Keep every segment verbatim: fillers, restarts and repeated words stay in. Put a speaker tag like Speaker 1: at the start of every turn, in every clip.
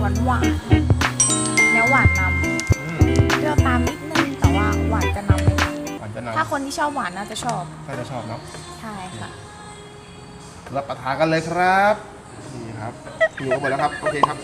Speaker 1: านหวานเนื้อหวานนำเปรี้ยวตามนิดนึงแต่ว่าหวานจะนำเลยค่ะ
Speaker 2: หวานจะนำ
Speaker 1: ถ้าคนที่ชอบหวานน่าจะชอบ
Speaker 2: น่าจะชอบเนาะ
Speaker 1: ใช่ค่ะ
Speaker 2: รับประทานกันเลยครับนี่ครับอยู่กันหมดแล้วครับโอเคครับ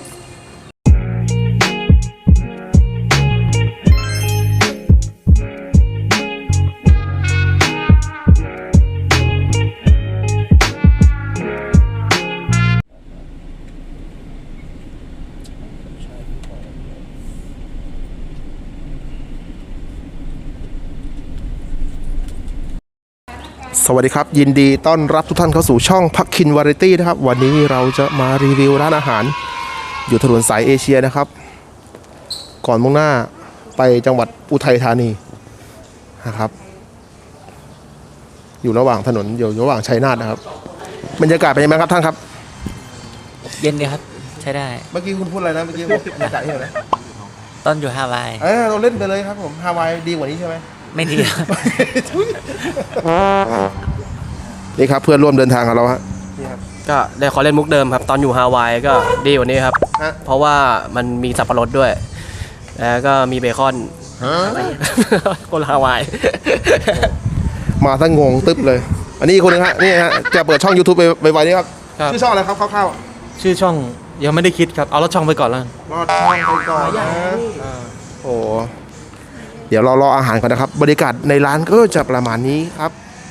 Speaker 2: สวัสดีครับยินดีต้อนรับทุกท่านเข้าสู่ช่องพักคินวาไรตี้นะครับวันนี้เราจะมารีวิวร้านอาหารอยู่ถนนสายเอเชียนะครับก่อนมุ่งหน้าไปจังหวัดอุทัยธานีนะครับอยู่ระหว่างถนนอยู่ระหว่างชัยนาทนะครับบรรยากาศเป็นยังไงครับท่านครับ
Speaker 3: เย็นดีครับใช้ได้
Speaker 2: เมื่อกี้คุณพูดอะไรนะเมื่อกี้บรรยากาศที่ไหน
Speaker 3: ตอนอยู่ฮาวาย
Speaker 2: เออเราเล่นไปเลยครับผมฮาวายดีกว่านี้ใช่ไหม
Speaker 3: ไม่ดี
Speaker 2: นี่ครับเพื่อนร่วมเดินทางกับเราฮะ
Speaker 4: ก็ได้ขอเล่นมุกเดิมครับตอนอยู่ฮาวายก็ดีกว่านี้ครับเพราะว่ามันมีสับปะรดด้วยแล้วก็มีเบคอนคนฮาวาย
Speaker 2: มาทั้งงงตึ๊บเลยอันนี้คนนึงฮะนี่ฮะจะเปิดช่อง YouTube ไปไว้นี่ครับชื่อช่องอะไรครับคร่าว
Speaker 4: ๆชื่อช่องยังไม่ได้คิดครับเอารถช่องไปก่อนแล้ว
Speaker 2: รอดช่องไปก่อนนะโอ้เดี๋ยวเรารออาหารก่อนนะครับบรรยากาศในร้านก็จะประมาณนี้ครับ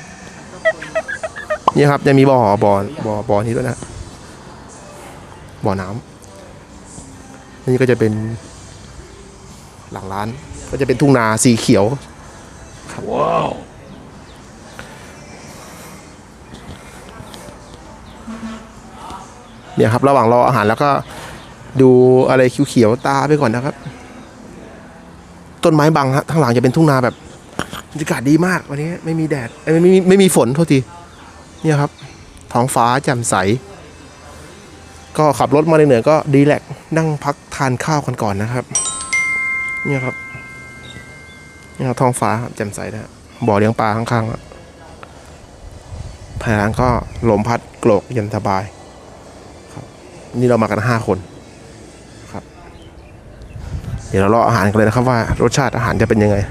Speaker 2: นี่ครับจะมีบ่อบ่อบ่อบ่อนี้ด้วยนะบ่อน้ำนี่ก็จะเป็นหลังร้านก็จะเป็นทุ่งนาสีเขียวครับว้าวเนี่ยครับระหว่างรออาหารแล้วก็ดูอะไรเขียวๆตาไปก่อนนะครับต้นไม้บังฮะข้างหลังจะเป็นทุ่งนาแบบบรรยากาศดีมากวันนี้ไม่มีแดดไม่ไม่ไม่มีฝนโทษทีเนี่ยครับท้องฟ้าแจ่มใสก็ขับรถมาเหนื่อยๆก็ดีแลกนั่งพักทานข้าวกันก่อนนะครับเนี่ยครับเนี่ยท้องฟ้าแจ่มใสนะบ่อเลี้ยงปลาข้างๆภายหลังก็ลมพัดโกรกเย็นสบายครับนี่เรามากันห้าคนครับเดี๋ยวเรารออาหารกันเลยนะครับว่ารสชาติอาหารจะเป็นยังไง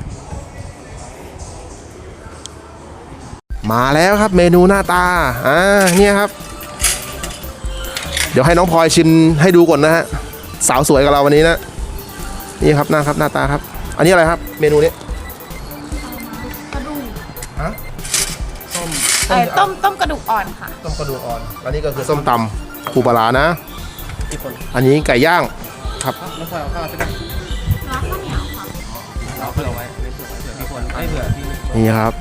Speaker 2: มาแล้วครับเมนูหน้าตาอ่าเนี่ยครับเดี๋ยวให้น้องพลอยชิมให้ดูก่อนนะฮะสาวสวยกับเราวันนี้นะนี่ครับหน้าครับหน้าตาครับอันนี้อะไรครับเมนูนี้
Speaker 1: กระดูก
Speaker 2: ฮะ
Speaker 1: ต้มไอ้ต้มต้มกระดูกอ่อนค่ะ
Speaker 2: ต้มกระดูกอ่อนอันนี้ก็คือส้มตำปูปลาร้านะอันนี้ไก่ย่างครับน้องพลอยเอาข้าวใช่ไหม
Speaker 1: ร้านข้าวเหนียวค่ะ
Speaker 4: เราเผื่อไว้เผื่อไว้เผื่อพี่คนไม่เผื่อพี่
Speaker 2: นี่ครับ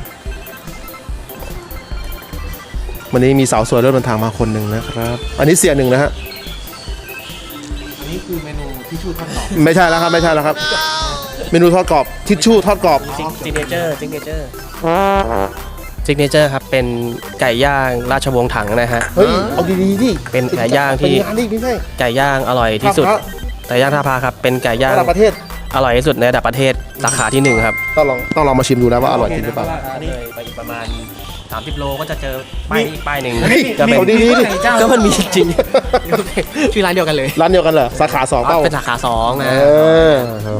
Speaker 2: วันนี้มีสาวสวยเริ่มเดินทางมาคนหนึ่งนะครับอันนี้เสียหนึ่งนะฮะ
Speaker 4: อันนี้คือเมนูทิชชู่ทอดกรอบ
Speaker 2: ไม่ใช่แล้วครับไม่ใช่แล้วครับเมนูทอดกรอบทิชชู่ทอดกรอบ
Speaker 4: ซิกเนเจอร์ซิกเนเจอร์ซิกเนเจอร์ครับเป็นไก่ย่างราชวงศ์ถังนะฮะ
Speaker 2: เฮ้ยเอาดีๆดิ
Speaker 4: เป็นไก่ย่างที่ไก่ย่างอร่อยที่สุดไก่ย่างท่าพระครับเป็นไก่ย่าง
Speaker 2: ระดับประเทศ
Speaker 4: อร่อยที่สุดในระดับประเทศสาขาที่หนึ่งครับ
Speaker 2: ต้องลองต้องลองมาชิมดูนะว่าอร่อยจริงหรือเปล่า
Speaker 4: เลยไปอีกประมาณสามสิบโลก็จะเจอป้ายนี้ป้ายหนึ่ง
Speaker 2: ก็เป็นดี
Speaker 4: ๆก็มันมีจริงชื่อร้านเดียวกันเลย
Speaker 2: ร้านเดียวกันเหรอสาขาสองเป้า
Speaker 4: เป็นสาขาสองนะ
Speaker 2: เออ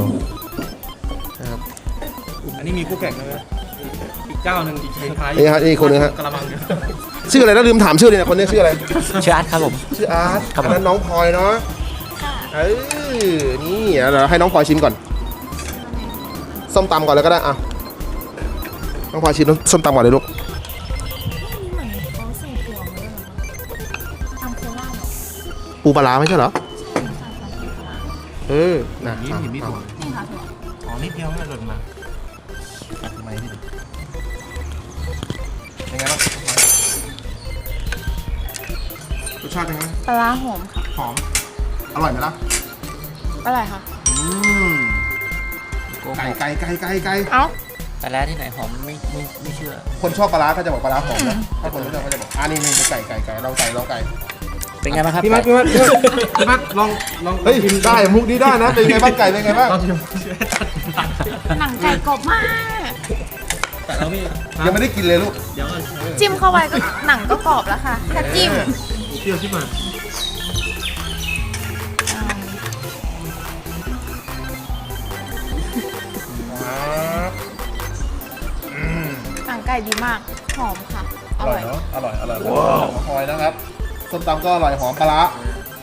Speaker 4: อันนี้มีคู่แข่งเลยอีกเจ้าหนึ่งอีกท้าย
Speaker 2: นี่ฮะนี่คนนึงฮะชื่ออะไรนะลืมถามชื่อเลยนะคนนี้ชื่ออะไร
Speaker 4: ชื่ออาร์ตครับผม
Speaker 2: ชื่ออาร์ตอันนั้นน้องพลอยเนาะเออนี่เดี๋ยวให้น้องพลอยชิมก่อนส้มตำก่อนเลยก็ได้อ่ะน้องพลอยชิมส้มตำก่อนเลยลูกปูปลาร้าไม่ใช่เหรอเออน่ะ
Speaker 4: นี่มีถั่วนี่ค่ะถั่วอ๋อนิดเดียวไม่หล่นมาทำไมนี่
Speaker 2: ยังไงบ้างรสชาติเป็นไง
Speaker 1: ปลาร้าหอมค่ะ
Speaker 2: หอมอร่อยไหมล่ะ
Speaker 1: อร่อยค่ะ
Speaker 2: อืมไก่ไก่ไก่ไก่ไก่
Speaker 1: เอ้า
Speaker 3: ปลาร้าที่ไหนหอมไม่ไม่ไม่เชื่อ
Speaker 2: คนชอบปลาร้าก็จะบอกปลาร้าหอมนะถ้าคนไม่ชอบก็จะบอกอ่านี่นี่ไก่ไก่ไก่เราไก่เราไก่
Speaker 3: เป็นไงบ้างครับ
Speaker 4: พี่มัดพี่มัดพี่มัดลองลอง
Speaker 2: เฮ้ยได้มุกนี้ได้นะเป็นไงบ้างไก่เป็นไงบ้าง
Speaker 1: หนังไก่กรอบมาก
Speaker 4: แต่เราไม่
Speaker 2: ยังไม่ได้กินเลยลูก
Speaker 1: จิ้มเข้าไปก็หนังก็กรอบแล้วค่ะแค่จิ้ม
Speaker 4: เที่ยวที่มา
Speaker 2: ครับอืม
Speaker 1: หนังไก่ดีมาก หอมค่ะ
Speaker 2: อร่อยเนาะอร่อยอร่อยว้าวหอยนะครับส้มตำก็อร่อยหอมปลาร้า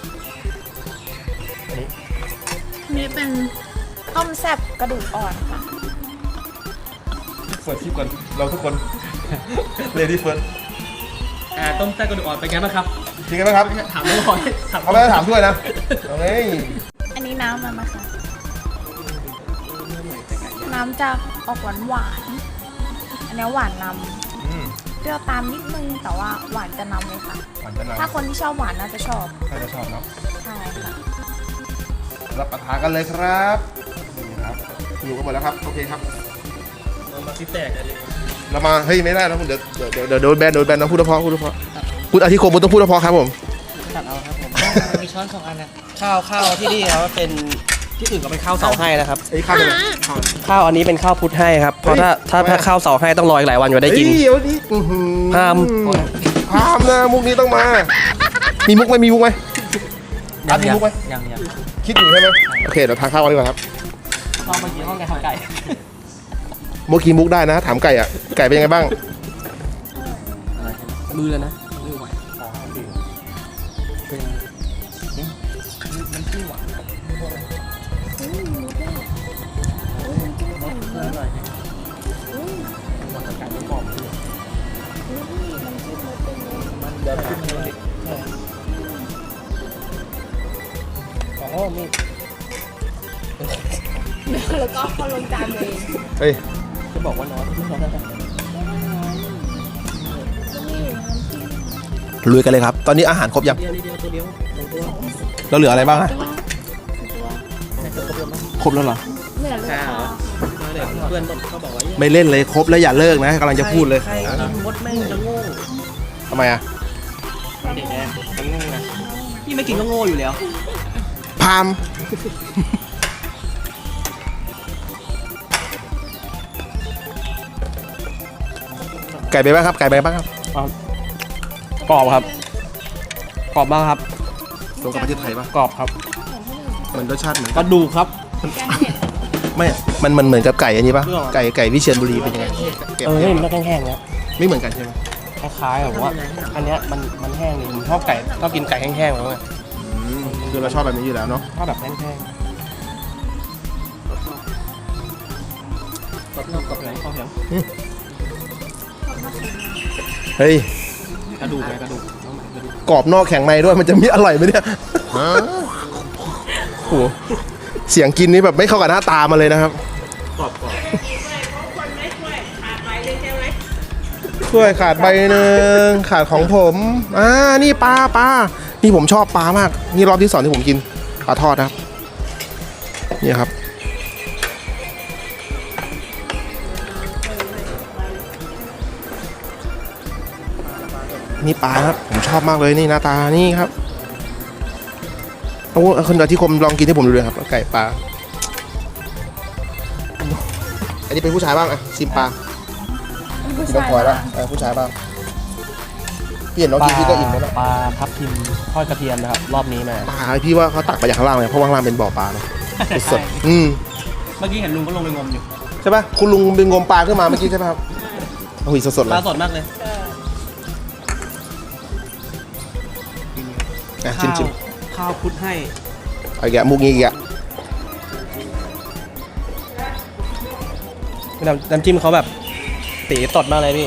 Speaker 1: นี่เป็นต้มแซ่บกระดูกอ่อนค่ะ
Speaker 2: เปิดคลิปก่อนเราทุกคน เลดี้เฟิร์ส
Speaker 4: อ่าต้มแซ่บกระดูกอ่อนเป็นไงบ้างครับ
Speaker 2: จริงไหมครับ
Speaker 4: ถามน้องพลอยถาม
Speaker 2: เขาไม่ได้ถามด้วยนะเฮ้ย
Speaker 1: อันนี้น้ำมันนะคะ น้ำจะออกหวานหวานๆอันนี้หวานน
Speaker 2: อืม
Speaker 1: ำเปรี้ยวตามนิดนึง แต่ว่าหวานจะนำเลยค่ะ
Speaker 2: หวานจะนาน
Speaker 1: ถ้าคนที่ชอบหวานน่าจะชอบ
Speaker 2: ใครจะชอบเนาะ
Speaker 1: ใช่ค่ะ
Speaker 2: รับประทานกันเลยครับนี่ครับอยู่กันหมดแล้วครับโอเคครับ
Speaker 4: เรามาซิแตกกันเลย
Speaker 2: เรามาเฮ้ยไม่ได้นะเดี๋ยวเดี๋ยวเดี๋ยวเดี๋ยวโดนแบนโดนแบนนะพูดเพราะพูดเพราะคุณอาทิคมคุณต้องพูดเพราะครับผม
Speaker 3: ตัดเอาครับผม มีช้อนสองอันนะ
Speaker 4: ข้าวข้าวที่นี่ครับเป็นที่อื่นก็เป็นข้าวเสาให้นะครับ
Speaker 2: ไอ้ข้าวเป็นข้าว
Speaker 4: ข้าวอันนี้เป็นข้าวพุทธให้ครับเพราะถ้าถ้าถ้าข้าวเสาให้ต้องรออีกหลายวันกว่าได้กิน
Speaker 2: เฮ้ยเดี๋ยวนี้อื้อหือ
Speaker 4: ห้าม
Speaker 2: ห้ามนะมุกนี้ต้องมา มีมุกไหมมีมุกไหม
Speaker 3: ยั
Speaker 2: อ่ะมีมุกไหม
Speaker 3: ยังยัง
Speaker 2: คิดอยู่ใช่ไหมโอเคเดี๋ยวทานข้าวกันดีกว่าครับ
Speaker 4: ข้าวเมื่อกี้ห้องไก่ข้าวไก่
Speaker 2: เมื่อกี้มุกได้นะ ถามไก่อ่ะไก่เป็นยังไงบ้าง
Speaker 4: มือเลยนะมือไหว
Speaker 3: เป็นมันที่หวานอร่อยนะ มันเดินขึ้นเลยอ๋อมี
Speaker 1: แล้วก็พอลงจานเลย
Speaker 2: เฮ้ย
Speaker 3: จะบอกว่าน้อยไม่น้อยนะ
Speaker 2: ลุยกันเลยครับ ตอนนี้อาหารครบยัง
Speaker 3: เดียวเดียวตัวเดียวสองตัว
Speaker 2: เราเหลืออะไรบ้างอะ
Speaker 3: แต่จะครบแล้วมั้ง
Speaker 2: ครบแล้วเหรอ
Speaker 1: เหลือเลยค่ะ
Speaker 4: เพื่อนเขาบอกว่า
Speaker 2: ไม่เล่นเลยครบแล้วอย่าเลิกนะกำลังจะพูดเลย
Speaker 4: ใครกินมดแม่งจะโง่
Speaker 2: ทำไมอ่ะ
Speaker 4: เด็กแน่มันโง่นะพี่ไม่กินก็โง่อยู่แล้ว
Speaker 2: พามไก่ไปบ้างครับไก่ไปบ้างครับ
Speaker 4: กรอบครับกรอบมากครับ
Speaker 2: ตรงกับประเทศไทยปะ
Speaker 4: กรอบครับ
Speaker 2: มันรสชาติเหมือน
Speaker 4: กระดูกครับ
Speaker 2: ไม่ มันมันเหมือนกับไก่อันนี้ปะ
Speaker 4: เรื่องอะไร
Speaker 2: ไก่ไก่วิเชียรบุรีเป็นยังไง
Speaker 4: เออนี่มันก็แห้งๆนะ
Speaker 2: ไม่เหมือนกันใช่ไหม
Speaker 4: คล้ายๆแบบว่า อันเนี้ยมันมันแห้งนี่ผมชอบไก่ก็กินไก่แห้งๆแล้วไง
Speaker 2: อืมคือเราชอบแบบนี้อยู่แล้วเนาะ
Speaker 4: ชอบแบบแห้งๆกรอบนอกกรอบในข้าวเหนียว
Speaker 2: เฮ้ย
Speaker 4: กระดูกไงกระดูกกระดูก
Speaker 2: กรอบนอกแข็งในด้วยมันจะมีอร่อยไหมเนี่ยโอ้โหเสียงกินนี่แบบไม่เข้ากับหน้าตามาเลยนะครับ
Speaker 4: กรอบกรอบ
Speaker 2: ถ้วยขาดใบหนึ่งขาดของผมอ่านี่ปลาปลานี่ผมชอบปลามาก นี่รอบที่สองที่ผมกินปลาทอดนะครับนี่ครับนี่ปลาครับผมชอบมากเลยนี่หน้าตานี่ครับเอาคนอาทิคมลองกินให้ผมดูเลยครับไก่ปลาอันนี้เป็นผู้ชายบ้างอะชิมปลา
Speaker 1: ผู้
Speaker 2: กิน
Speaker 1: ชาย
Speaker 2: น้ำพลอยแล้วเออผู้ชายบ้างพี่เห็นน้องกินพี่ก็อิ่มแล้วนะ
Speaker 4: ปลาทับทิมทอดกระเทียมนะครับรอบนี้มา
Speaker 2: ปลาพี่ว่าเขาตักมาจากข้างล่างเลยเพราะว่าข้างล่างเป็นบ่อปลาเนาะสดๆอืม
Speaker 4: เมื่อกี้เห็นลุงก็ลงไปงมอยู่
Speaker 2: ใช่ป่ะคุณลุงเป็นงมปลาขึ้นมาเมื่อกี้ใช่ป่ะครับโอ้ยสดๆเล
Speaker 4: ปลาย สดมากเลย
Speaker 2: อ่ะชิมชิม
Speaker 4: ข้าวพุทธให้
Speaker 2: ๆเอาอีกแกะมุกงี้อีกแกะ
Speaker 4: น้ำน้ำจิ้มเขาแบบตีตดมากเลยพี่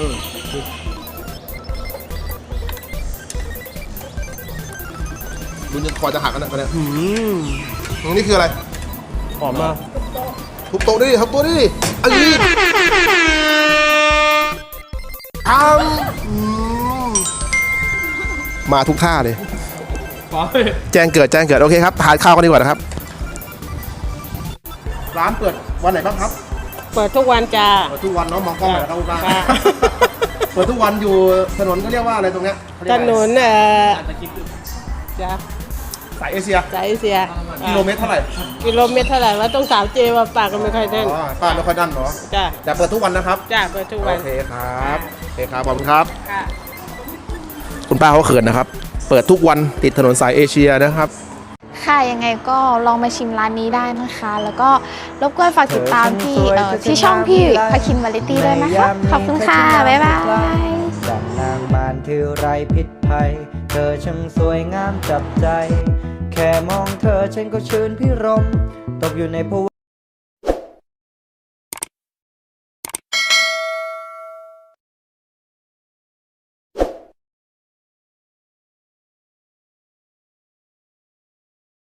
Speaker 2: ดูจะคอจะหักกันนะเนี่ย
Speaker 4: อืม
Speaker 2: นี่คืออะไร
Speaker 4: หอมมาก
Speaker 2: ทุบโต๊ะดิทุบโต๊ะดิอันนี้ทำอืมมาทุกท่าเลย แจ้งเกิดแจ้งเกิดโอเคครับทานข้าวกันดีกว่านะครับ ร้านเปิดวันไหนบ้างครับ
Speaker 5: เปิดทุกวันจ้า
Speaker 2: เปิดทุกวันเนาะมองกล้องหน่อยนะครับคุณป้า
Speaker 5: ค่ะ
Speaker 2: เปิดทุกวันอยู่ถนนเขาเรียกว่าอะไรตรงเนี้ยเขาเรีย
Speaker 5: ถ
Speaker 2: กอะไร
Speaker 5: นนเอ่อจ้า
Speaker 2: สายเอเชีย
Speaker 5: สายเอเชีย
Speaker 2: กิโลเมตรเท่าไหร่
Speaker 5: กิโลเมตรเท่าไหร่ว่าต้องสาวเจว่าปากก็ไม่ค่อยแน่น
Speaker 2: อ๋อป้าไม่ค่อยดันเหรอ
Speaker 5: จ้า
Speaker 2: แต่เปิดทุกวันนะครับ
Speaker 5: จ้าเปิดทุกวัน
Speaker 2: โอเคครับโอเคครับขอบคุณครับ
Speaker 5: ค่ะ
Speaker 2: คุณป้าเขาเขินนะครับ เปิดทุกวันติดถนนสายเอเชียนะครับ
Speaker 1: ค่ะ ยังไงก็ลองมาชิมร้านนี้ได้นะคะ แล้วก็รบกวนฝากติดตามที่เอ่อที่ช่องพี่พาคินวาไรตี้ด้วยนะคะ ขอบคุณค่ะ บ๊ายบาย
Speaker 6: ดังนางมารที่ไร้พิษภัย เธอช่างสวยงามจับใจ แค่มองเธอฉันก็ชื่นพิรมตกอยู่ในภว